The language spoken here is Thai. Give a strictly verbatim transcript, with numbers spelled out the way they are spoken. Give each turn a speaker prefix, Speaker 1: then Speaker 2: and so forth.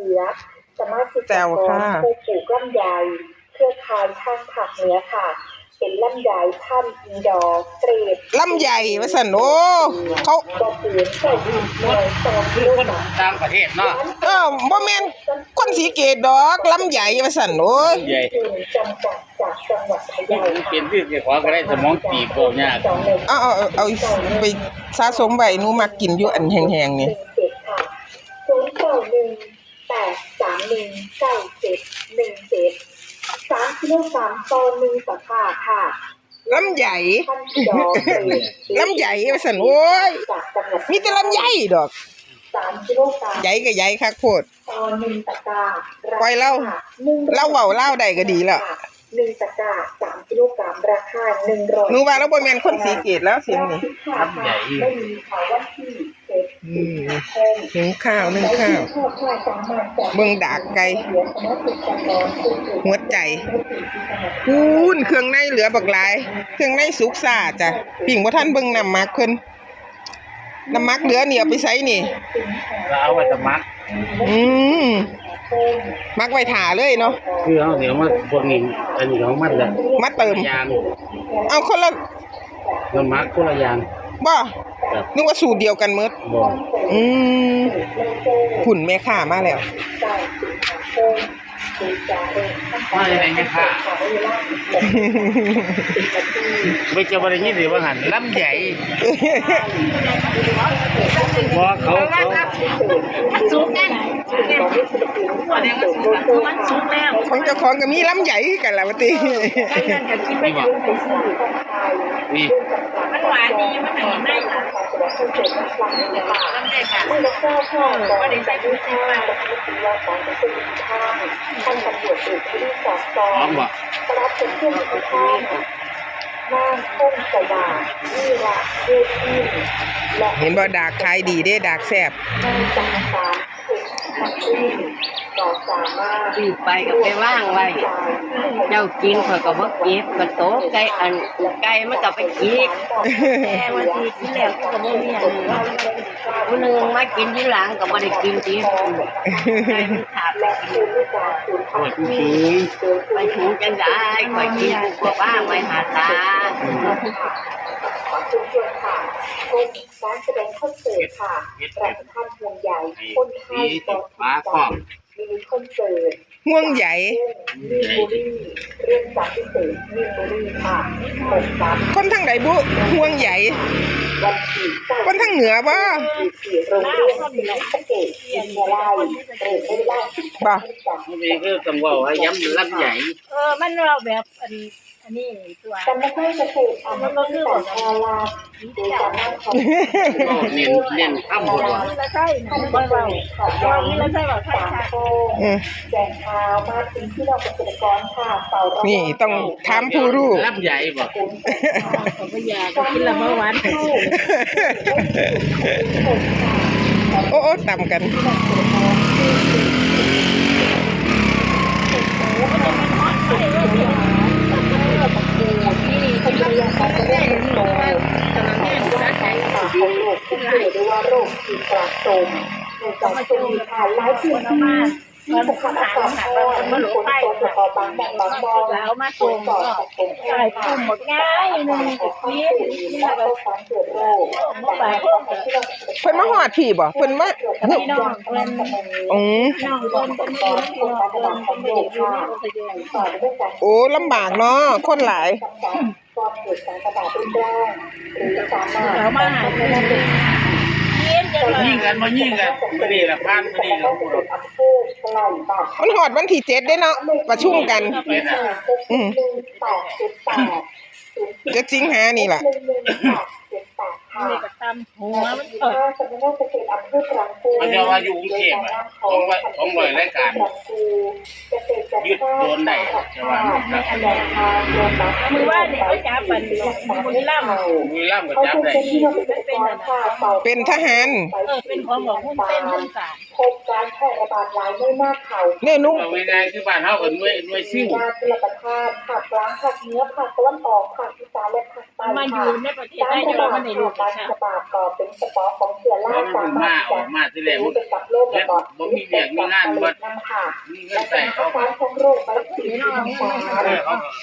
Speaker 1: สือสมาชิกกรผู้ปลูกลำไยเครือข่ายทางภาคเหนือค่ะเป็นลำไยพันธุ์อินดอร์เกรด
Speaker 2: ลำไยว่าซั่นโอ้เขา
Speaker 1: บ่เปลี่ยนใส่ดินหน่วยสองกิโลกรัม
Speaker 3: ต่างประเทศเนาะ
Speaker 2: เออบ่แม่นคนศรีเกตดอกลำไยว่าซั่นโอ้ย
Speaker 3: ใหญ่
Speaker 1: จำกัดจากจังหวัดพะเยา
Speaker 3: เป็นที่เจ้าของก็ได้สมองตีบโตยาก
Speaker 2: เอาเอาเอาไปสะสมไว้หนูมักกินอยู่อันแห้งๆนี่
Speaker 1: ศูนย์ เก้า หนึ่ง แปด สาม หนึ่ง เก้า เจ็ด หนึ่ง เจ็ดสามกิโลกรัมต่อหนึ่งตะกร้าค่ะ
Speaker 2: ลำไยลำไยว่าซั่นโอ้ยมีแต่ลำไยดอก
Speaker 1: สามกิโลกรัม
Speaker 2: ใหญ่ก็ใหญ่คักโพด
Speaker 1: ต่อหนึ่งตะกร้า
Speaker 2: ปล่อยเล่าเล่าเว้าเล่าได้ก็ดีแล้ว
Speaker 1: หนึ่งตะกร้าสามกิโลกรัมราคาหนึ่งร้อย
Speaker 2: หนูว่าแล้วบ่แม่นคนศรีเกตแล้วเสียงนี่
Speaker 3: ลำใหญ่
Speaker 1: ไม่มีข่าวว่าที่
Speaker 2: อืมนึ่งข้าวนึ่งข้าวเบิ่งดากไก่หัวใจคูณเครื่องในเหลือบักหลายเครื่องในสุกซ่าจ้ะปิ่งบ่ทันเบิ่งน้ำมักเพิ่นน้ำมักเหลือนี่เอาไปใส่นี่
Speaker 3: เอาไว้ตะมัก
Speaker 2: อืมมักไว้ถ่าเลยเนาะ
Speaker 3: คือเอาเดี๋ยวมาพวกนี้อันนี้ของมันจะ
Speaker 2: มาเติม
Speaker 3: ยาง
Speaker 2: เอาคนละ
Speaker 3: น้ำมักคนละยาง
Speaker 2: บ่นึกว่าสูตรเดียวกันหมด
Speaker 3: บ่
Speaker 2: อืมหุ่นแม่ค้ามาแล้ว
Speaker 3: มาได้แม่ค้าไม่จะบ่ได้ยินหรือว่าหันลำใหญ่บ่เขาเขา
Speaker 4: มันสูงแน่อันนี้มันสูงแล้วมันสูงแล้ว
Speaker 2: ของเจ้าของก็มีลำใหญ่กันล่ะว่าติ
Speaker 3: นี่
Speaker 4: มันหวานดีมันหอมได้ค่ะลำใหญ่ค่ะก็ได้ใส่กุ้งจิ้มมา
Speaker 1: ท่านตำรวจเอกที่สอบสอบรับเป็นเครื่องมือข้างนั่งพุ่งสว่างนี่ละเวที
Speaker 2: เห็นบ่ดากขายดีเด้ดากแซ่บ
Speaker 1: จังสามสิบนาทีต่อสามารถ
Speaker 4: ตีไปก็ไปว่างไว้เจ้ากินข่อยก็บ่เก็บก็โตไก่อันไก่มันก็ไปกินแต่ว่าที่กินแล้วก็บ่มีอันผู้นึงมากินทีหลังก็บ่ได้กินทีไก่มันขาดแล้ว
Speaker 3: โอ้ยคือ
Speaker 4: ไปถึงจังได้ข่อยกินพวกว่างไว้หาตา
Speaker 1: ขอชุมชนค่ะพบการแสดงคอนเสิร์ตค่ะประธานห่วงใหญ่คนไทยต่อที่มีคอนเสิร์ต
Speaker 2: ห่วงใหญ่
Speaker 1: มีบุรีเรื่องจากพิเศษมีบุรีค่ะหกสาม
Speaker 2: คนทางไหนบุห่วงใหญ่
Speaker 1: วันที่
Speaker 2: คนทางเหนือบ่
Speaker 1: โรงเรียนศิลปะเกตวิทยาลัยเรียนไม่ได้
Speaker 2: บ่
Speaker 3: นี่คือต้องว่าให้ย้ำลำใหญ่
Speaker 4: เออมันเราแบบอันอันนี้ตัว
Speaker 1: แต่ไม่ใช่เกษตรอ่ะมันก็คือของอาลาโดยการนั่งของ
Speaker 3: เน้นเน้นข้ามหมดว่า
Speaker 4: ใช่นะไม่เราตอนนี้เราใช่แบบใช่ค่ะ
Speaker 1: แจกข่าวมาถึงที่เราเกษตรกรค่ะเป่า
Speaker 2: นี่ต้องถามผู้รู้
Speaker 3: ลำใหญ่บ่
Speaker 4: เขาก็อยากกินละเมื่อวาน
Speaker 2: โอ้โอ้ต่ำกัน
Speaker 1: เขาจะยังการจะได้เห็นโลกำลังเห็นว่าใช้ค่ะของโลกที่เรียกว่าโรคที่กระโจมในการโจมผ่านหลายพื้นที่ที่สกัดอากาศร้อนฝนตกแล้วก็บางแห่งบางบ่อ
Speaker 4: แล้วมาส่งก็ใช่ปุ่มหมดง่ายนึงติดเนี้ยนี่แบบ
Speaker 1: การเกิดโรค
Speaker 4: แต่
Speaker 1: เ
Speaker 2: พิ่นมาฮอดพี่บ่เพิ่นมา
Speaker 4: พี่น้องเพิ่น
Speaker 2: อือ
Speaker 4: น้องเพิ่นเป็นพี่น้องเพิ่นเป็นเด็กค่ะ
Speaker 2: โอ้ลำบากเนาะคนหลาย
Speaker 1: ก่อนเกิดการระบาดรุนแรงหรือสามารถ
Speaker 4: เรามาหาเพิ่น
Speaker 3: ยิงกันมายิงกันมื้อนี้ล่ะผ่านมื้อนี้ก็
Speaker 2: มันฮอดวันที่เจ็ดเด้เนาะประชุมกันอือจะสิงหานี่ล่ะ
Speaker 4: นี่ก็ตำหัวมันเปิด
Speaker 3: มันจะว่าอยู่กรุงเทพอ่ะของของหน่วยรายการยึดโดนได้ใช่ป่ะ
Speaker 4: มือว่าเนี่ยเขาจับมันบุรีรัมย์
Speaker 3: บุรีรัมย์ก็จับได้
Speaker 2: เป็นทหาร
Speaker 4: เออเป็นของหลวงหุ้นเต้นหุ้นศาล
Speaker 1: พบการแพร่ระบาดหลายในหน้าเขา
Speaker 2: เนี่ยนุ๊ก
Speaker 3: เอาง่ายๆคือบ้านเฮาก็หน่วยหน่วยซิ่ว
Speaker 1: การรับประทานผักล้างผักเนื้อผักตะวันออกผักอีสานและผักใต้
Speaker 4: มาอยู่ในประเทศได้จะว่ามันในรูปค่ะ
Speaker 1: ก็เป็นสปอร์ของเชื้อรา
Speaker 3: เพราะมันเพิ่งมาออกมาที่แรก
Speaker 1: รู้
Speaker 3: มัน
Speaker 1: ไปกับโรคระบาด
Speaker 3: บ่มีเวียกมีงานเบิด
Speaker 1: น้ำค่ะ
Speaker 3: มีเงิ
Speaker 1: และ
Speaker 3: น
Speaker 1: เป็
Speaker 3: ใส่
Speaker 1: น
Speaker 3: เขา
Speaker 1: อาการของโรคไบโพล่า